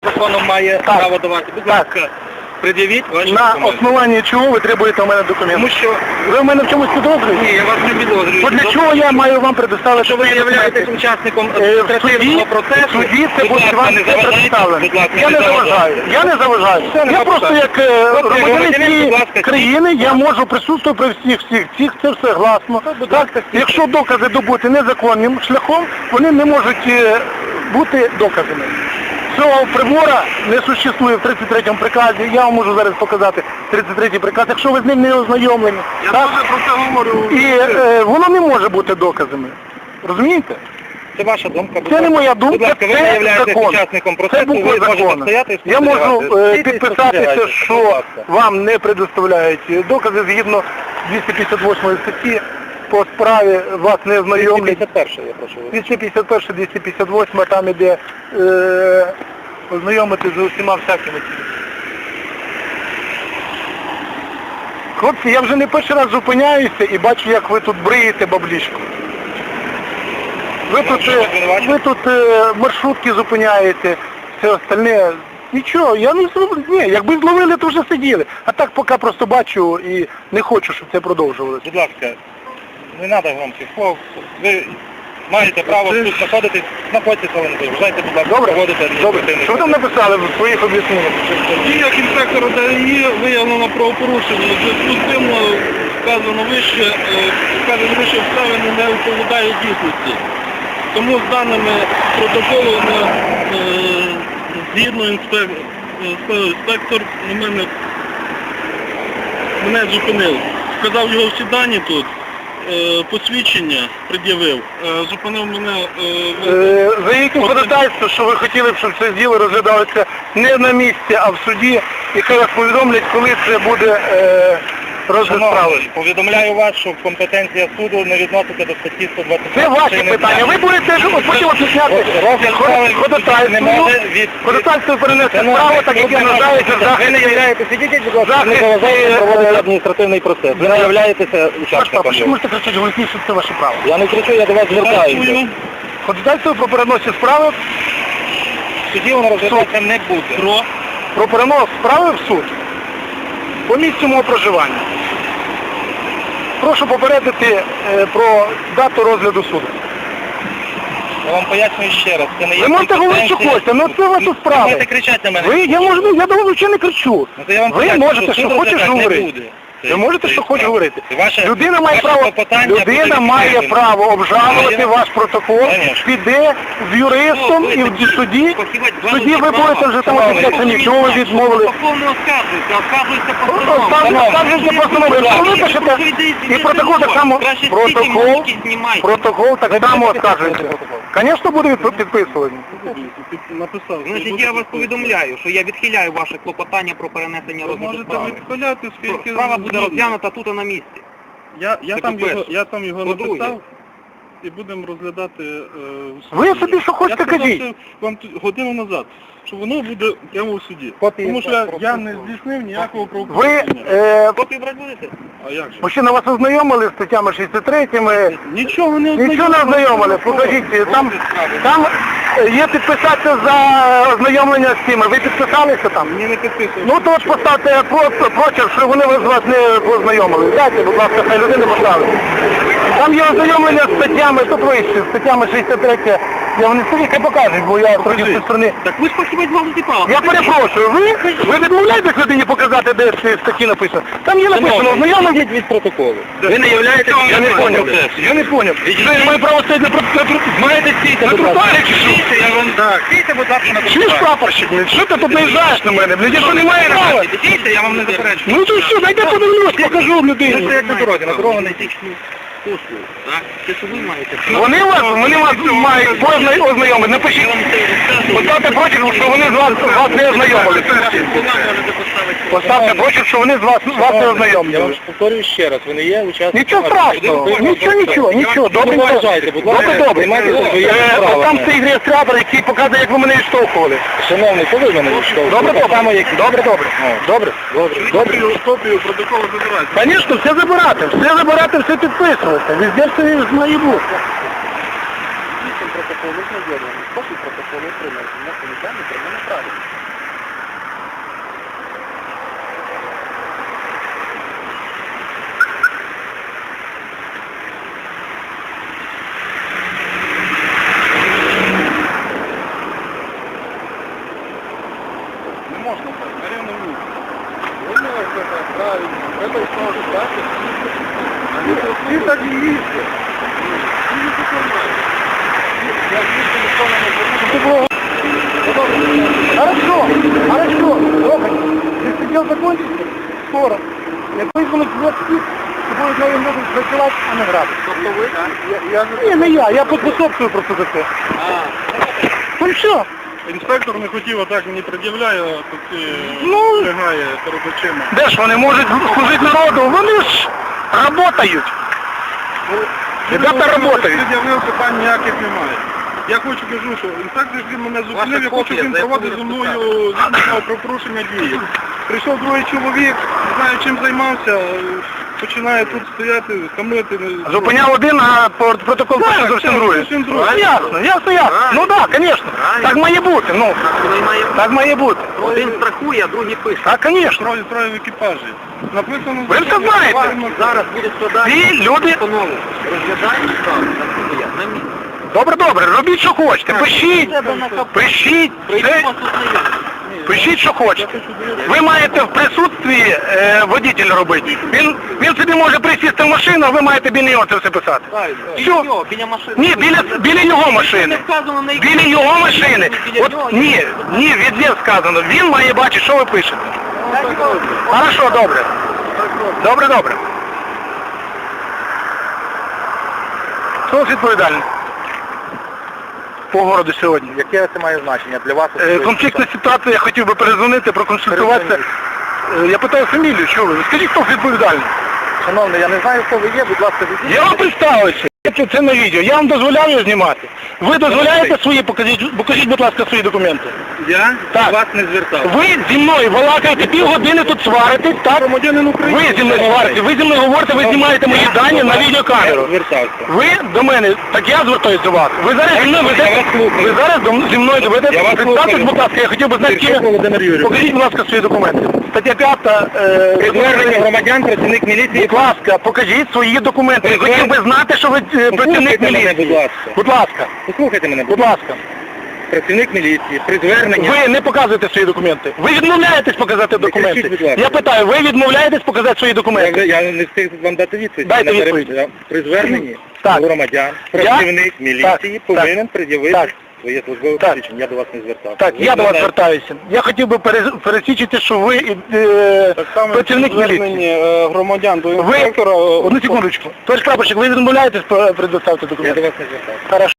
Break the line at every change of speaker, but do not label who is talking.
законом має право давати. Будь ласка, пред'явіть ваші
На
документи.
основанні чого ви требуєте у мене документи?
Тому що...
Ви в мене в чомусь підозрюєте?
Ні, я вас не підозрюю.
То для чого я маю вам предоставити?
Що ви являєтесь учасником адміністративного процесу?
В суді це буде вам
не
все
заважайте,
представлено.
будь ласка,
Я не заважаю. Я не заважаю. Я просто як громадянин цієї країни, я можу присутствувати при всіх, це все гласно. Так? Якщо докази добути незаконним шляхом, вони не можуть бути доказами. Цього прибора не существує в 33-му приказі, я вам можу зараз показати 33-й приказ, якщо ви з ним не ознайомлені.
Я
так?
теж про це говорю.
І воно не може бути доказами. Розумієте?
Це ваша думка.
Це не моя думка,
будь ласка, ви
це
не являєтесь
закон.
учасником
Це
процесу,
буква
ви можете
закону.
стояти і
Я можу
спостерігати.
підписатися,
Будь
що
ласка.
вам не предоставляють докази згідно 258 статті по справі вас не ознайомлять.
251, я прошу.
251, 258, там іде ознайомити з усіма всякими. Хлопці, я вже не перший раз зупиняюся і бачу, як ви тут бриєте баблішку. Ви тут маршрутки зупиняєте, все остальне. Нічого, я не зроблю. Ні, якби зловили, то вже сиділи. А так поки просто бачу і не хочу, щоб це продовжувалося.
Будь ласка, не треба вам цих слов. Ви маєте право тут знаходитись, знаходьтеся, але не заважайте, будь ласка,
Добре?
проводити
Добре.
адміністративний
Що ви там написали в своїх об'ясненнях?
Діях інспектора ДАІ виявлено правопорушення. У зв'язку з тим вказано вище обставини не відповідає дійсності. Тому з даними протоколу згідно інспектор мене зупинив. Вказав його всі дані тут, посвідчення пред'явив, зупинив мене...
За яким ходатайством, що ви хотіли б, щоб це діло розглядалося не на місці, а в суді, і хай вас повідомлять, коли це буде розгляд справи.
Шановний, повідомляю вас, що компетенція суду не відноситься до статті 120.
Це ваші питання. Ви будете потім об'ясняти ходатайство перенести справу, так як я вважається
Ви не являєтеся, ідіть, будь ласка, не заважаєте проводити адміністративний процес. Ви не являєтеся учасником.
Що можете кричати голосніше, що це ваше право?
Я не кричу, я до вас звертаюся.
Ходатайство про переносі справи
В суді воно розглядатися не буде.
про перенос справи в суд по місцю мого проживання. Прошу попередити про дату розгляду суду.
Я вам пояснюю ще раз. Це не є
Ви можете говорити, що хочете, але це ваша
Ви
справа.
можете кричати на мене.
Я до вас взагалі не кричу.
Ну, то я вам
Ви
поясню,
можете, що
суд
хочеш
розглядати не
говорити.
буде.
Ви можете, що хочеш говорити. Людина має
Людина
має право обжалувати ваш протокол,
Конечно.
піде з юристом і в суді. В суді ви будете вже там
Шановний,
офіційно, чого ви відмовили.
Повно оскаржуйте постанову.
Постанови, якщо ви пишете, і протокол так само, протокол так само оскаржується. Звісно, буде підписуваний.
Написав.
Значить, я вас повідомляю, що я відхиляю ваше клопотання про перенесення
Ви
розгляду
можете
справи.
відхиляти, скільки...
Справа буде розглянута тут на місці.
Я
Це
там
по-перше.
його
По-друге.
написав і будемо розглядати...
Ви собі що хочете,
я сказав,
кажіть.
що вам годину назад, що воно буде прямо у суді.
Копії
Тому що я не здійснив ніякого
Ви,
правопорушення.
Копію брати будете?
А як же?
мужчина, вас ознайомили з статтями 63-ми?
Нічого не
Нічого не ознайомили, покажіть, там є підписатися за ознайомлення з цими. Ви підписалися там?
Мені не підписував.
Ну то от поставте прочерк, що вони з вас не познайомили. Дайте, будь ласка, хай людина поставить. Там є ознайомлення з статтями, тут вище, з статтями 63. Я вони собі хай покажуть, бо я трохи з цієї сторони.
Так ви ж фахівець галузі права.
Я перепрошую, ви відмовляєтесь людині показати, де ці статті написано? Там є написано, ознайомлення.
від протоколу.
Ви не являєтесь, я не поняв. Я не поняв. Ви маю право стояти
Маєте стійте,
на
будь ласка.
тротуарі чи що?
Я вам... Так. Стійте, будь ласка, на
Чуєш, прапорщик, блядь, що ти тут наїжджаєш на мене? Блядь, я що не маю права?
Стійте, я вам не заперечую.
Ну то що, дайте подивлюсь, покажу
Ви
людині.
стоять на дорозі, на дорогу не йдіть.
Послуг, так? Це що ви маєте?
Вони вас мають ознайомити. Напишіть, поставте прочерк, що вони з вас не ознайомили. Поставте прочерк, що вони з вас не
Я вам
ознайомили.
повторюю ще раз, ви не є учасником...
Нічого страшного, нічого, добре,
Не вважайте, будь ласка.
добре.
Займайтеся своїми справами.
Там стоїть реєстратор, який показує, як ви мене відштовхували.
Шановний, коли мене відштовхуєте?
Добре.
Копію протоколу забирайте.
Звісно, все забирати, все підписувати. Везде все має бути.
Протокол ознайомлений. Копію протоколу отримали. На комітеті про мене правильно.
можна так, на рівному місці. Вони це так, правильно. Треба і справді так. Всі так і їздять. Всі їздять нормально. Я їздив, ніхто не звернув.
Хорошо, Рома, ты сидел закончился? Скоро. Я поїхали в 20, і будуть нові люди працювати, а не грати.
Тобто ви?
Ні, не я поспособствую просто за це. Ну що?
Інспектор не хотів, а так мені пред'являє, тут
Ну,
лягає перед очима.
де ж вони можуть служити народу? Вони ж працюють. Ребята працюють.
Пред'явив, питань ніяких немає. Я хочу кажу, що інспектор він мене зупинив, я хочу, щоб він проводив зі мною згідно про порушення дії. Прийшов другий чоловік, не знаю чим займався, починає тут стояти, хамити.
Зупиняв один, а протокол пише зовсім другий. Ясно. Ну так, звісно. Так має бути, ну. Так має бути.
Один страхує, а другий пише.
Так, звісно.
Троє в екіпажі. Написано,
Ви все знаєте.
Зараз буде складати
Ці люди...
постанову. Розглядаємо справу, страхує, на місці.
Добре, робіть, що хочете. Пишіть. Пишіть, що хочете. Ви маєте в присутстві водитель робити. Він собі може присісти в машину, а ви маєте біля нього це все писати. Все.
Біля машини.
Ні, біля його машини.
Вказано на
Біля його машини. От ні, відде сказано. Він має бачити, що ви пишете. Хорошо, добре. Добре. Хто відповідальний? По городу сьогодні.
Яке це має значення для вас?
Конфліктна ситуація, я хотів би перезвонити, проконсультуватися. Я питаю фамілію, що ви? Скажіть, хто відповідальний?
Шановний, я не знаю, хто ви є, будь ласка, відійдіть.
Я вам представився. Це на відео. Я вам дозволяю його знімати. Ви дозволяєте свої, покажіть, будь ласка, свої документи.
Я
Так.
вас не звертав.
Ви зі мною балакаєте, півгодини тут сваритесь, так?
Громадянин України.
Ви зі мною говорите, ви знімаєте мої дані на відеокамеру.
Звертався.
Ви до мене, так я звертаюся до вас. Ви зараз зі мною ви зараз зі мною
Я вас
ведете. Представтесь,
слухаю.
будь ласка, я хотів би знати,
Сергій Володимир Юрійович.
покажіть, будь ласка, свої документи. Стаття 5.
Звернення громадян, працівник міліції.
Будь ласка, покажіть свої документи. Я хотів би знати, що ви працівник
мене,
міліції.
будь ласка.
Будь ласка,
Послухайте мене,
будь ласка.
працівник міліції, при зверненні.
Ви не показуєте свої документи. Ви відмовляєтесь показати документи.
кричіть, будь ласка.
Я питаю, ви відмовляєтесь показати свої документи?
Я не встиг вам дати відповідь.
Дайте
Я
відповідь.
При зверненні
Так.
громадян, працівник міліції
Так.
повинен пред'явити
Так.
своє службове
Так.
посвідчення. Я до вас не звертався.
Так,
Ви
я до вас
знаєте,
звертаюся. Я хотів би пересвідчити, що ви
Так само
працівник міліції.
звернення громадян до
Ви,
інспектора.
одну секундочку. Товариш прапорщик, ви відмовляєтесь предоставити
Я
документи?
до вас не звертався.
Хорошо.